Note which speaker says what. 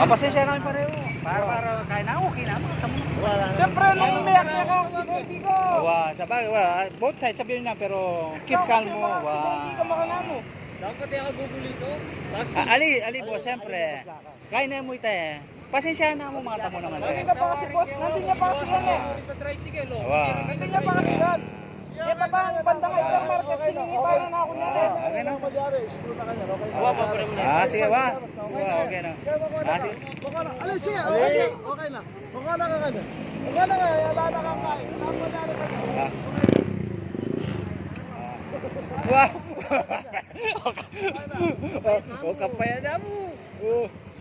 Speaker 1: Pasensya namin pareho. Para kaya na okay na mga tamo.
Speaker 2: Siyempre, nung umiyak niya ako, aksidente ka.
Speaker 1: Sabagay, both sides sabihin na pero keep calm mo.
Speaker 2: Aksidente ka makanano.
Speaker 3: Dapat yung agugulito.
Speaker 1: Ali boss, siyempre. Kaya na mo ito eh. Pasensya na mo mga tamo naman.
Speaker 2: Nandun ka pa kasi boss, nandun niya pa kasi yan eh.
Speaker 3: Tricycle, oh.
Speaker 2: Nandun niya pa kasi yan. Eh, pa ba ang bandang hypermarket, siningitan na ako niya eh.
Speaker 1: Okay na.
Speaker 4: Istro na kanya, okay na.
Speaker 1: Sige ba? Okay na. Sige.
Speaker 4: Alin, sige, okay na. Okay na ka kanya. Okay na nga, wala na kang kain. Napadari ka na.
Speaker 1: Wow! O kapaya na mo.